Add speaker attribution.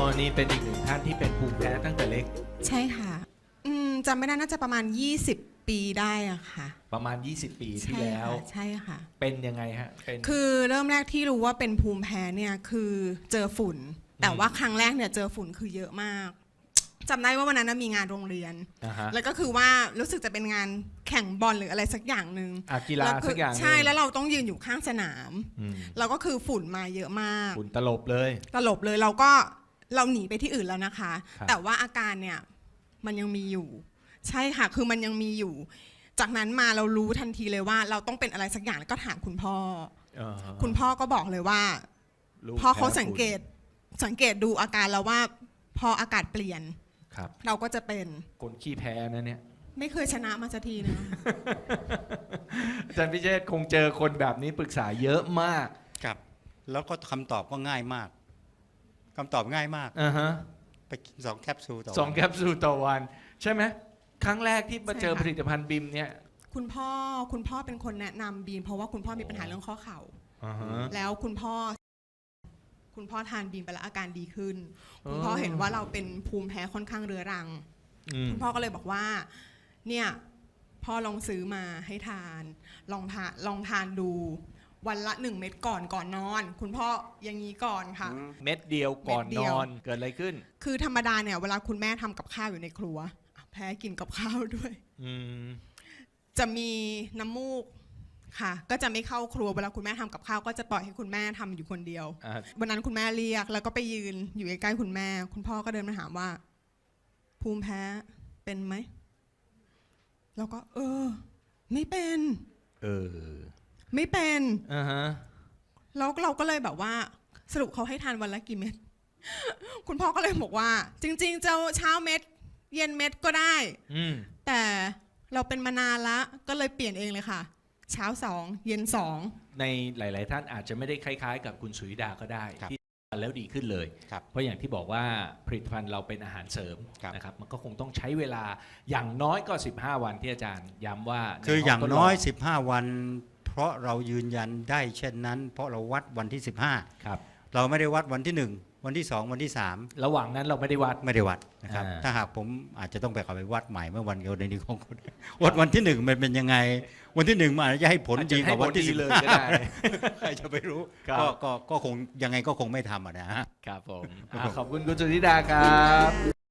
Speaker 1: นี่เป็นอีกหนึ่งท่านที่เป็นภูมิแพ้ตั้งแต่เล็ก
Speaker 2: ใช่ค่ะจำไม่ได้น่าจะประมาณ20 ปีได้อะค่ะ
Speaker 1: ประมาณ20 ปีที่แล้ว
Speaker 2: ใช่ค่ะ
Speaker 1: เป็นยังไงฮะเป็น
Speaker 2: คือเริ่มแรกที่รู้ว่าเป็นภูมิแพ้เนี่ยคือเจอฝุ่น แต่ว่าครั้งแรกเนี่ยเจอฝุ่นคือเยอะมากจำได้ว่าวันนั้นมีงานโรงเรียน แล้วก็คือว่ารู้สึกจะเป็นงานแข่งบอลหรืออะไรสักอย่างหนึ่ง
Speaker 1: กีฬาสักอย่าง
Speaker 2: ใช่แล้วเราต้องยืนอยู่ข้างสนามเราก็คือฝุ่นมาเยอะมาก
Speaker 1: ฝุ่นตลบเลย
Speaker 2: เราหนีไปที่อื่นแล้วนะคะ แต่ว่าอาการเนี่ยมันยังมีอยู่ใช่ค่ะคือมันยังมีอยู่จากนั้นมาเรารู้ทันทีเลยว่าเราต้องเป็นอะไรสักอย่างแล้วก็ถามคุณพ่อคุณพ่อก็บอกเลยว่าพอเขาสังเกตดูอาการแล้วว่าพออากาศเปลี่ยนเราก็จะเป็น
Speaker 1: คนขี้แพ้นะเนี่ย
Speaker 2: ไม่เคยชนะมาสักทีนะ
Speaker 1: อาจารย์พิเชษคงเจอคนแบบนี้ปรึกษาเยอะมาก
Speaker 3: ครับแล้วก็คำตอบก็ง่ายมากคำตอบง่ายมากไปกิน2 แคปซูลต่อวัน
Speaker 1: 2 แคปซูลต่อวันใช่ไหมครั้งแรกที่มาเจอผลิตภัณฑ์บิมเนี่ย
Speaker 2: คุณพ่อเป็นคนแนะนำบีมเพราะว่าคุณพ่อมีปัญหาเรื่องข้อเข่าแล้วคุณพ่อทานบีมไปแล้วอาการดีขึ้นคุณพ่อเห็นว่าเราเป็นภูมิแพ้ค่อนข้างเรื้อรังคุณพ่อก็เลยบอกว่าเนี่ยพ่อลองซื้อมาให้ทานลองทานดูวันละ1 เม็ดก่อนนอนคุณพ่ออย่างนี้ก่อนค่ะ
Speaker 1: เม็ดเดียวก่อนนอนเกิดอะไรขึ้น
Speaker 2: คือธรรมดาเนี่ยเวลาคุณแม่ทำกับข้าวอยู่ในครัวแพ้กินกับข้าวด้วยจะมีน้ำมูกค่ะก็จะไม่เข้าครัวเวลาคุณแม่ทำกับข้าวก็จะปล่อยให้คุณแม่ทำอยู่คนเดียววันนั้นคุณแม่เรียกแล้วก็ไปยืนอยู่ใกล้ๆคุณแม่คุณพ่อก็เดินมาถามว่าภูมิแพ้เป็นไหมแล้วก็ไม่เป็นไม่เป็นแล้วเราก็เลยแบบว่าสรุปเขาให้ทานวันละกี่เม็ดคุณพ่อก็เลยบอกว่าจริงๆจะเช้าเม็ดเย็นเม็ดก็ได้แต่เราเป็นมานานละก็เลยเปลี่ยนเองเลยค่ะเช้า2เย็น2
Speaker 1: ในหลายๆท่านอาจจะไม่ได้คล้ายๆกับคุณสุริดาก็ได้ที่แล้วดีขึ้นเลยเพราะอย่างที่บอกว่าผลิตภัณฑ์เราเป็นอาหารเสริมนะครับมันก็คงต้องใช้เวลาอย่างน้อยก็15 วันที่อาจารย์ย้ำว่า
Speaker 3: คืออย่างน้อย15 วันเพราะเรายืนยันได้เช่นนั้นเพราะเราวัดวันที่15
Speaker 1: ครับเรา
Speaker 3: ไม่ได้วัดวันที่1วันที่2วันที่3
Speaker 1: ระหว่างนั้นเราไม่ได้วัด
Speaker 3: นะครับถ้าหากผมอาจจะต้องไปขอไปวัดใหม่เมื่อวันกรณีของคุณวัดวันที่1มันเป็นยังไงวันที่1มันอาจจะให้ผลดีกว่าวันที่
Speaker 1: เลยก็ได้
Speaker 3: ใครจะไปรู้ก็คงยังไงก็คงไม่ทำนะฮะ
Speaker 1: ครับผมขอบคุณคุณสุริดาครับ